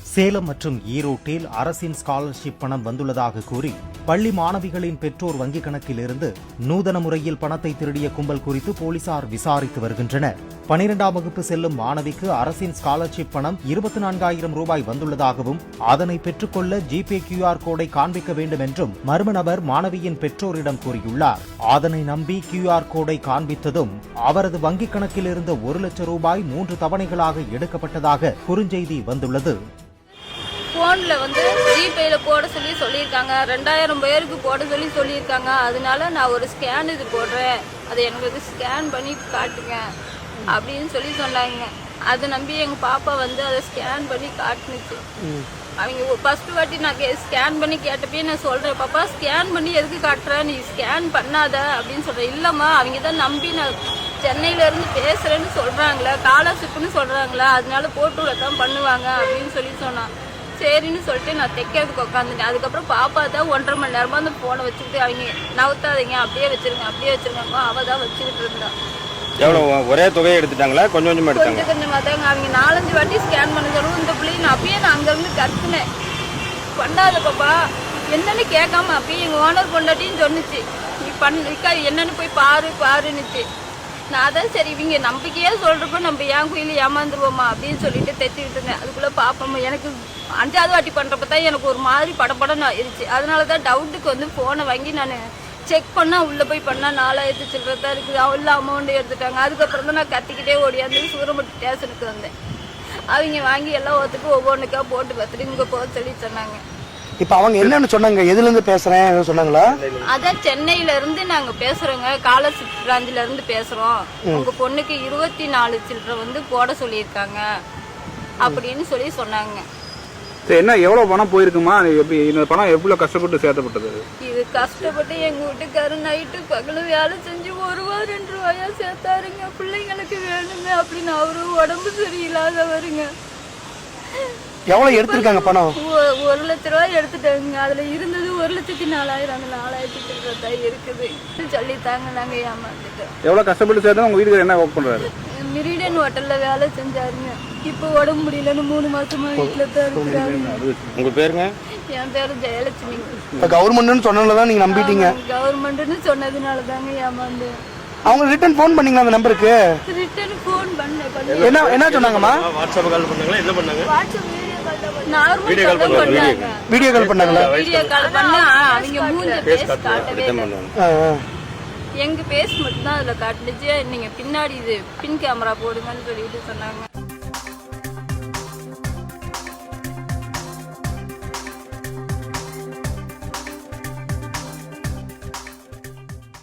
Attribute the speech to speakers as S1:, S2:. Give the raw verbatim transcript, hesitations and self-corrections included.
S1: சேலம் மற்றும் ஈரோட்டில் அரசின் ஸ்காலர்ஷிப் பணம் வந்துள்ளதாக கூறி பள்ளி மாணவிகளின் பெற்றோர் வங்கிக் கணக்கில் இருந்து நூதன முறையில் பணத்தை திருடிய கும்பல் குறித்து போலீசார் விசாரித்து வருகின்றனர். பனிரெண்டாம் வகுப்பு செல்லும் மாணவிக்கு அரசின் ஸ்காலர்ஷிப் பணம் இருபத்தி நான்காயிரம் ரூபாய் வந்துள்ளதாகவும் அதனை பெற்றுக்கொள்ள ஜிபே கியூஆர் கோடை காண்பிக்க வேண்டும் என்றும் மர்ம நபர் மாணவியின் பெற்றோரிடம் கூறியுள்ளார். அதனை நம்பி கியூஆர் கோடை காண்பித்ததும் அவரது வங்கிக் கணக்கில் இருந்த ஒரு லட்சம் ரூபாய் மூன்று தவணைகளாக எடுக்கப்பட்டதாக குறுஞ்செய்தி வந்துள்ளது.
S2: போன்ல வந்து ஜிபேல போட சொல்லி சொல்லியிருக்காங்க, ரெண்டாயிரம் பேருக்கு போட சொல்லி சொல்லியிருக்காங்க. அதனால நான் ஒரு ஸ்கேன் இது போடுறேன், அதை எனக்கு ஸ்கேன் பண்ணி காட்டுங்க அப்படின்னு சொல்லி சொன்னாங்க. அதை நம்பி எங்க பாப்பா வந்து அதை ஸ்கேன் பண்ணி காட்டுனுச்சு. அவங்க ஃபர்ஸ்ட் வாட்டி நான் ஸ்கேன் பண்ணி கேட்டப்பே நான் சொல்றேன், பாப்பா ஸ்கேன் பண்ணி எதுக்கு காட்டுற, நீ ஸ்கேன் பண்ணாத அப்படின்னு சொல்றேன். இல்லம்மா அவங்க தான் நம்பி நான் சென்னையில இருந்து பேசுறேன்னு சொல்றாங்களா, ஸ்காலர்ஷிப்னு சொல்றாங்களா, அதனால போட்டு தான் பண்ணுவாங்க அப்படின்னு சொல்லி சொன்னான். சரின்னு சொல்லிட்டு நான் தைக்கிறதுக்கு உட்காந்துட்டேன். அதுக்கப்புறம் பாப்பா தான் ஒன்றரை மணி நேரமா அந்த போனை வச்சுக்கிட்டு அவங்க நவுத்தாதீங்க, அப்படியே வச்சிருங்க அப்படியே வச்சிருங்க அவ தான் வச்சுக்கிட்டு இருந்தா.
S3: எவ்வளவு ஒரே தொகையை எடுத்துட்டாங்களா, கொஞ்சம் கொஞ்சமா எடுத்தாங்க?
S2: கொஞ்சம் கொஞ்சமா தாங்க. அவங்க நாலஞ்சு வாட்டி ஸ்கேன் பண்ண சொல்லுவோம். இந்த பிள்ளைங்க நான் அப்பயே நான் அங்கிருந்து கத்துனேன், பண்ணாத பாப்பா என்னன்னு கேட்காம அப்பயே எங்க ஓனர் பொண்டாட்டின்னு சொன்னிச்சு, நீ பண்ண என்னன்னு போய் பாரு பாருன்னுச்சு. நான் அதான் சரி இவங்க நம்பிக்கையா சொல்றப்ப நம்ம ஏன் கோயில ஏமாந்துருவோமா அப்படின்னு சொல்லிட்டு தைச்சிக்கிட்டு இருந்தேன். அதுக்குள்ள பாப்போம் எனக்கு அஞ்சாவது வாட்டி பண்றப்ப தான் எனக்கு ஒரு மாதிரி படப்படம் ஆயிடுச்சு. அதனாலதான் டவுட்டுக்கு வந்து போனை வாங்கி நான் செக் பண்ணா உள்ள போய் பண்ணா நாலாயிரத்து சில்லறதா இருக்குது, அவ்வளோ அமௌண்ட் எடுத்துட்டாங்க. அதுக்கப்புறம் தான் நான் கத்திக்கிட்டே ஓடியாந்து சூரமட்டி ஸ்டேஷனுக்கு வந்தேன். அவங்க வாங்கி எல்லாம் ஒத்துக்கு ஒவ்வொன்றுக்கா போட்டு பார்த்துட்டு இங்க போக சொல்லி சொன்னாங்க.
S4: இப்ப அவங்க என்னன்னு சொன்னாங்க, எதுல இருந்து பேசுறேன் சொன்னாங்களா?
S2: அதான் சென்னையில இருந்து நாங்க பேசுறோங்க, ஸ்காலர்ஷிப் பிராஞ்சில இருந்து பேசுறோம், உங்க பொண்ணுக்கு இருபத்தி நாலு சில்லற வந்து போட சொல்லியிருக்காங்க அப்படின்னு சொல்லி சொன்னாங்க.
S5: என்ன எவ்வளவு பணம் போயிருக்குமா, இந்த பணம் எவ்வளவு கஷ்டப்பட்டு சேர்த்தப்பட்டது?
S2: இது கஷ்டப்பட்டு எங்க வீட்டுக்காரு நைட்டு பகல வேலை செஞ்சு ஒரு ரூபா ரெண்டு ரூபாயா சேர்த்தாருங்க. பிள்ளைங்களுக்கு வேணுங்க அப்படின்னு அவரு உடம்பு சரியில்லாதவருங்க.
S4: எவ்வளவு எடுத்திருக்காங்க பணம்?
S2: ஒரு லட்ச ரூபாய் எடுத்துட்டாங்க. அதுல இருந்தது ஒரு லட்சத்தி நாலாயிரம், அந்த நாலாயிரத்தி சில்லறை இருக்குது சொல்லித்தாங்க. நாங்க ஏமாந்துட்டோம்.
S5: எவ்வளவு கஷ்டப்பட்டு சேர்த்தா உங்க வீட்டுக்கு என்ன ஒர்க் பண்றாரு?
S2: மிரிடன் ஹோட்டல்ல வேலை செஞ்சாருங்க. இப்ப உடம்பு முடியலன்னு மூணு மாசமா வீட்டுல தான் இருக்கிறாரு.
S3: உங்க பேருங்க?
S2: என் பேரு ஜெயலட்சுமி.
S4: இப்ப கவர்மெண்ட்னு சொன்னதுலதான் நீங்க நம்பிட்டீங்க?
S2: கவர்மெண்ட்னு சொன்னதுனால தாங்க ஏமாந்து.
S4: அவங்க ரிட்டர்ன் போன் பண்ணீங்களா அந்த நம்பருக்கு?
S2: ரிட்டர்ன் போன் பண்ண
S4: என்ன என்ன சொன்னாங்கம்மா?
S3: வாட்ஸ்அப் கால் பண்ணாங்களா, என்ன பண்ணாங்க?
S2: வாட்ஸ்அப் வீடியோ கால் பண்ணாங்க.
S4: வீடியோ கால் பண்ணாங்களா?
S2: வீடியோ கால் பண்ணா அவங்க மூஞ்சி பேஸ் காட்டவே இல்ல. எங்க பேஸ் மட்டும் தான் அதுல காட்டுச்சு. நீங்க பின்னாடி இது பின் கேமரா போடுங்கன்னு சொல்லிட்டு சொன்னாங்க.